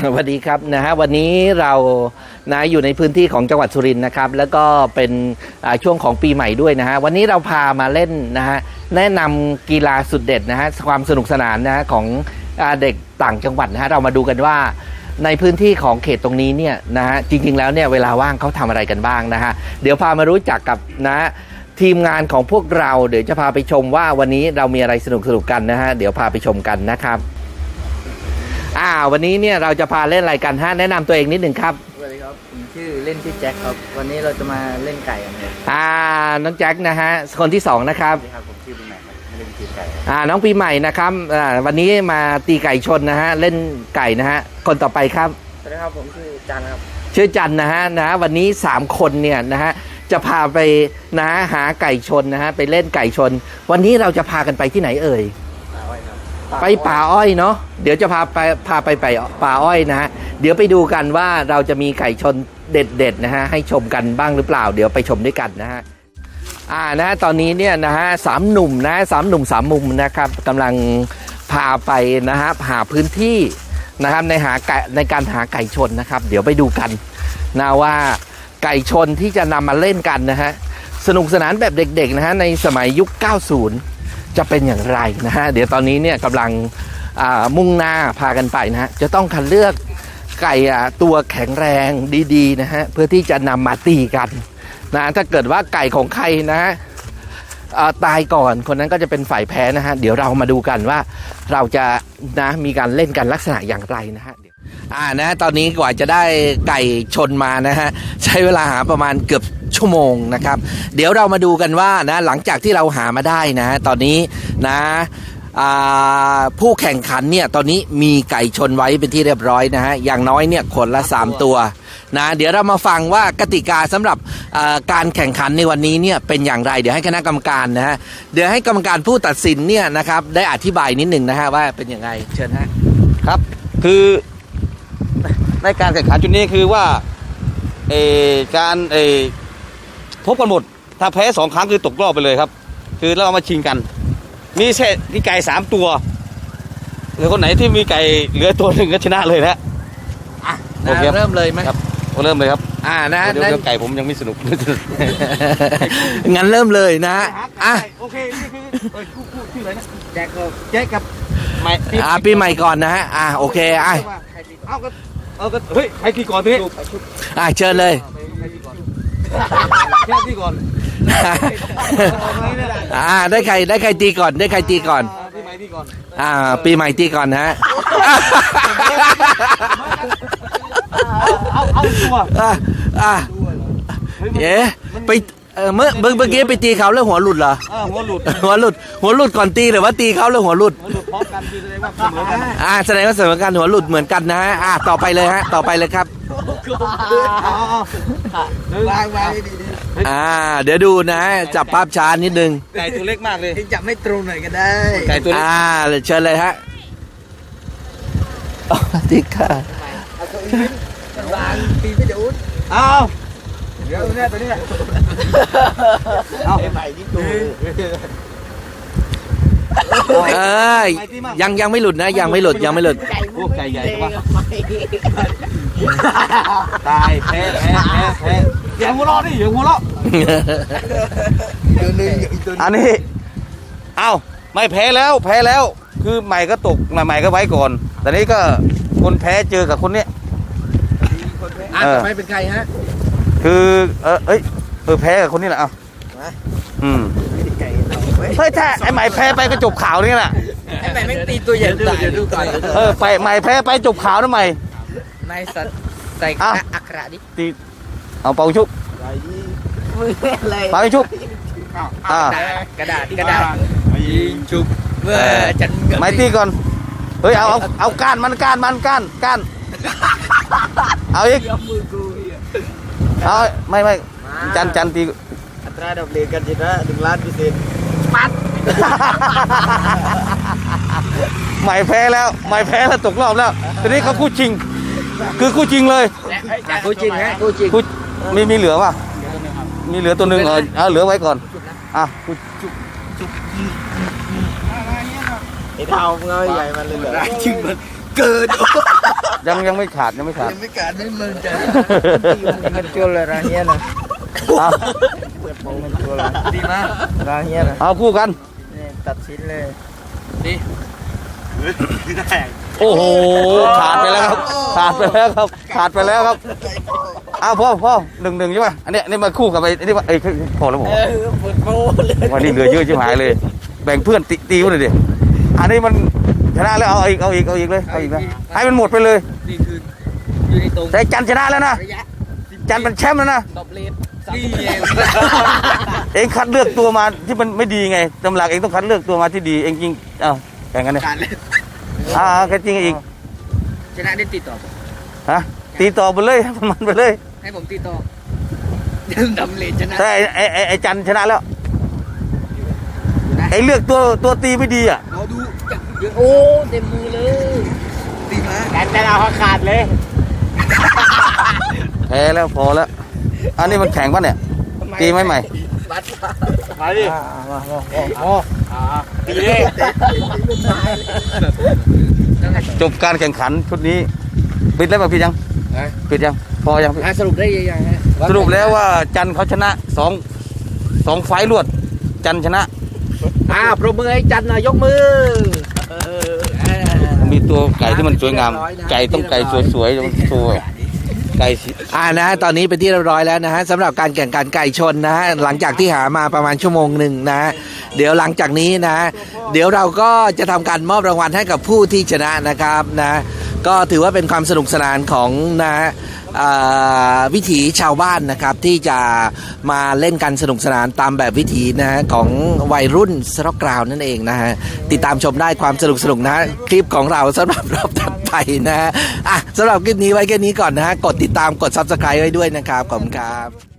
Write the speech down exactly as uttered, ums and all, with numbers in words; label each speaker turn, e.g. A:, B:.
A: สวัสดีครับนะฮะวันนี้เรานะอยู่ในพื้นที่ของจังหวัดสุรินทร์นะครับแล้วก็เป็นช่วงของปีใหม่ด้วยนะฮะวันนี้เราพามาเล่นนะฮะแนะนำกีฬาสุดเด็ดนะฮะความสนุกสนานนะฮะของเด็กต่างจังหวัดนะฮะเรามาดูกันว่าในพื้นที่ของเขตตรงนี้เนี่ยนะฮะจริงๆแล้วเนี่ยเวลาว่างเขาทำอะไรกันบ้างนะฮะเดี๋ยวพามารู้จักกับนะทีมงานของพวกเราเดี๋ยวจะพาไปชมว่าวันนี้เรามีอะไรสนุกๆกันนะฮะเดี๋ยวพาไปชมกันนะครับอ่าวันนี้เนี่ยเราจะพาเล่นอะไรกันฮะแนะนำตัวเองนิดหนึ่งครับ
B: สวัสดีครับผมชื่อเล่นชื่อแจ็คครับวันนี้เราจะมาเล่นไก่กันครับ
A: อ่าน้องแจ็คนะฮะคนที่สองนะครับ
B: สวัสดีครับผมชื่อปีใหม่ครับเล่นตีไก่
A: อ่าน้องปีใหม่นะครับอ่าวันนี้มาตีไก่ชนนะฮะเล่นไก่นะฮะคนต่อไปครับ
B: สวัสดีครับผมชื่อจันครับ
A: ชื่อจันนะฮะนะวันนี้สามคนเนี่ยนะฮะจะพาไปนะหาไก่ชนนะฮะไปเล่นไก่ชนวันนี้เราจะพากันไปที่ไหนเอ่ยไปป่าอ้อยเนาะเดี๋ยวจะพาไปพาไปไปป่าอ้อยนะฮะเดี๋ยวไปดูกันว่าเราจะมีไก่ชนเด็ดๆนะฮะให้ชมกันบ้างหรือเปล่าเดี๋ยวไปชมด้วยกันนะฮะอ่านะตอนนี้เนี่ยนะฮะสามหนุ่มนะสามหนุ่มสามมุมนะครับกำลังพาไปนะฮะหาพื้นที่นะครับในหาไก่ในการหาไก่ชนนะครับเดี๋ยวไปดูกันนะว่าไก่ชนที่จะนำมาเล่นกันนะฮะสนุกสนานแบบเด็กๆนะฮะในสมัยยุคเก้าสิบจะเป็นอย่างไรนะฮะเดี๋ยวตอนนี้เนี่ยกำลังมุ่งหน้าพากันไปนะฮะจะต้องคัดเลือกไก่ตัวแข็งแรงดีๆนะฮะเพื่อที่จะนำมาตีกันนะถ้าเกิดว่าไก่ของใครนะตายก่อนคนนั้นก็จะเป็นฝ่ายแพ้นะฮะเดี๋ยวเรามาดูกันว่าเราจะนะมีการเล่นกันลักษณะอย่างไรนะฮะอ่านะตอนนี้กว่าจะได้ไก่ชนมานะฮะใช้เวลาหาประมาณเกือบชั่วโมงนะครับเดี๋ยวเรามาดูกันว่านะหลังจากที่เราหามาได้นะตอนนี้นะผู้แข่งขันเนี่ยตอนนี้มีไก่ชนไว้เป็นที่เรียบร้อยนะฮะอย่างน้อยเนี่ยคนละสามตัวนะเดี๋ยวเรามาฟังว่ากติกาสำหรับการแข่งขันในวันนี้เนี่ยเป็นอย่างไรเดี๋ยวให้คณะกรรมการนะฮะเดี๋ยวให้กรรมการผู้ตัดสินเนี่ยนะครับได้อธิบายนิดหนึ่งนะฮะว่าเป็นยังไงเชิญฮะ
C: ครับคือในการแข่งขันจุดนี้คือว่าเอการเอพบกันหมดถ้าแพ้สองครั้งคือตกรอบไปเลยครับคือเราเอามาชิงกันมีแค่มีไก่สามตัวหรือคนไหนที่มีไก่เหลือตัวหนึ่งก็ชนะเลยนะ
A: อ่ะเริ่มเลยไหม
C: ครับเริ่มเลยครับ
A: อ่านะ
C: เดี๋ยวไก่ผมยังไม่สนุก
A: งั้นเริ่มเลยนะอ่ะ
C: โอเคนี่คือเอ้ยคู่คู่ชื่ออะไรนะแจ็คกับแจ็คกับ
A: ใหม่อ่าปีใหม่ก่อนนะฮะอ่าโอเคอ่ะ
C: เอาก็เอาก็เฮ้ยใครตีก่อนทีนี้
A: อ่าเชิญเลย
C: แค่ตีก่อน
A: อ่าได้ใครได้ใครตีก่อนได้ใครตีก่อน
C: ปีใหม่ตีก่อน
A: อ่าปีใหม่ตีก่อนฮะ
C: เอาเอาตัว
A: อ่าอ่าเอ๊ะไปเออเมื่อเมื่อกี้ไปตีเขาแล้วหัวหลุดเหรอ
C: หัวหลุด
A: หัวหลุดหัวหลุดก่อนตีหรือว่าตีเขาแล้วหัวหลุด
C: พร้อมกันคือแสดงว่าเสมอกัน
A: อ่าแสดงว่าเสมอกันหัวหลุดเหมือนกันนะฮะอ่าต่อไปเลยฮะต่อไปเลยครับ
B: วางวางดี
A: ๆอ่าเดี๋ยวดูนะจับภาพช้านิดนึง
C: ไก่ตัวเล็กมากเลย
B: จับไม่ตรงหน่อยก็ได้
C: ไก่ตัวเล็ก
A: อ่าเชิญเลยฮะติ๊กค่ะ
B: วางตีไม่โดน
C: เอาเดี๋ยวเนี่ยตัวนี้
B: เอาใหม่ที่ตัว
A: เอ้ยยังยังไม่หลุดนะยังไม่หลุดยังไม่หลุด
C: พวกไก่ใหญ่ใช่ปะตายแพ้แพ้แพ้แพ้อย่าหัวเราะดิอย่าหัวเราะอันนี้เอ้าไม่แพ้แล้วแพ้แล้วคือใหม่ก็ตกใหม่ก็ไว้ก่อนแต่นี้ก็คนแพ้เจอกับคนนี้
A: อ่ะต่อไปเป็นใครฮะ
C: คือเออเอ้ยเออแพ้กับคนนี้แหละเอาอืมเฮ้ยถ้าไอ้ใหม่แพ้ไปก็จบข่าวนี่แหละ
B: ไอ้ใหม่ไม่ตีตัวใหญ่ตาย
C: เออไปใหม่แพ้ไปจบข่าวนะใหม่
B: นายสัตว์ใส่อักระดิ
C: ตีเอาเป่าชุบเป่าชุบ
B: อ่ากระดาษกระดาษยิงชุบเมื่อจัน
C: ไม่ตีก่อนเฮ้ยเอาเอาเอาก้านมันก้านมันก้านก้านเอาอีกเอาไม่ไม่จันจันตี
B: อัตราดอกเบี้ยกันจีนะหนึ่งล้านเปอร์เซ็นต์ปัด
C: ใหม่แพ้แล้วใหม่แพ้แล้วตกรอบแล้วทีนี้เขาคู่จริงคือคู่จริงเลย
B: คู่จริงฮะคู่จริง
C: มีมีเหลือป่ะมีเหลือตัวหนึ่งเออเอาเหลือไว้ก่อนอ่ะ
B: ไอ้เท้าเงยใหญ่มันเลยเหลือ
C: จริงมัน
B: เกิน
C: ยังยังไม่ขาดยังไม่ขาด
B: ยังไม่การไม่มึงจะมันจุลเลยร้านเนี้ยนะ
C: เอา
B: เปิดโปงมันจุลเลยดีมากร้านเนี้ยนะ
C: เอาคู่กัน
B: นี่ตัดชิ้นเลยดี
C: โอ้โหขาดไปแล้วครับขาดไปแล้วครับขาดไปแล้วครับอ้าวพ่อพ่อหนึ่งหนึ่งใช่ป่ะอันนี้อันนี้มาคู่กับไอ้อันนี้ว่าไอ้พอแล้วผม
B: เออเปิดโปเลย
C: วันนี้เหลือเยอะชิบหายเลย แบ่งเพื่อนตีตีกันเลยดิอันนี้มันชนะแล้วเอาอีกเอาอีกเอาอีกเลยเอาอีกนะให้มันหมดไปเลย
B: นี่คืออยู่ในตรง
C: แต่จันชนะแล้วนะ
B: ระยะ
C: จันเป็นแชมป์แล้วนะ
B: ตบเลนนี่เอง
C: เองคัดเลือกตัวมาที่มันไม่ดีไงตำหลักเองต้องคัดเลือกตัวมาที่ดีเองจริงเอ้าแข่งกันเลย
B: การเล่น
C: อ่าแค่จริงอีก
B: ชนะได้ติดต่อ
C: ฮะตีต่อไปเลยมันไปเลย
B: ให้ผมติดต่อยังดำเลนชนะ
C: แต่ไอ้ไอ้ไอ้จันชนะแล้วไอ้เลือกตัวตัวตีไม่ดีอ่ะ
B: เราดูโอ้เต็มมือเลยตีมาการแต่เราขาดเลย
C: แพ้แล้วพอแล้วอันนี้มันแข่งป่ะเนี่ยตีไหมใหม่
B: บัดมาดิมามาโอ้ตีเลย
C: จบการแข่งขันชุดนี้ปิดแล้วป่ะพี่ยังปิดยังพอยังพี่
B: สรุปได้ยังฮะ
C: สรุปแล้วว่าจันเขาชนะสองสองไฟล์รวด จันชนะ
A: อ่าปรบมือให้จันหน่อยยกมือ
C: มีตัวไก่ที่มันสวยงาม ไก่ต้องไก่สวยๆสวยไก่สิ
A: อ่านะฮะตอนนี้เป็นที่เรียบร้อยแล้วนะฮะสำหรับการแข่งขันไก่ชนนะฮะหลังจากที่หามาประมาณชั่วโมงหนึ่งนะฮะเดี๋ยวหลังจากนี้นะ เดี๋ยวเราก็จะทำการมอบรางวัลให้กับผู้ที่ชนะนะครับนะก็ถือว่าเป็นความสนุกสนานของนะฮะอ่าวิถีชาวบ้านนะครับที่จะมาเล่นกันสนุกสนานตามแบบวิถีนะฮะของวัยรุ่นสร็อกกราวนั่นเองนะฮะติดตามชมได้ความสนุกสนุกนะฮะคลิปของเราสำหรับรอบถัดไปนะฮะอ่ะสำหรับคลิปนี้ไว้แค่นี้ก่อนนะฮะกดติดตามกด ซับสไครบ์ ไว้ด้วยนะครับขอบคุณครับ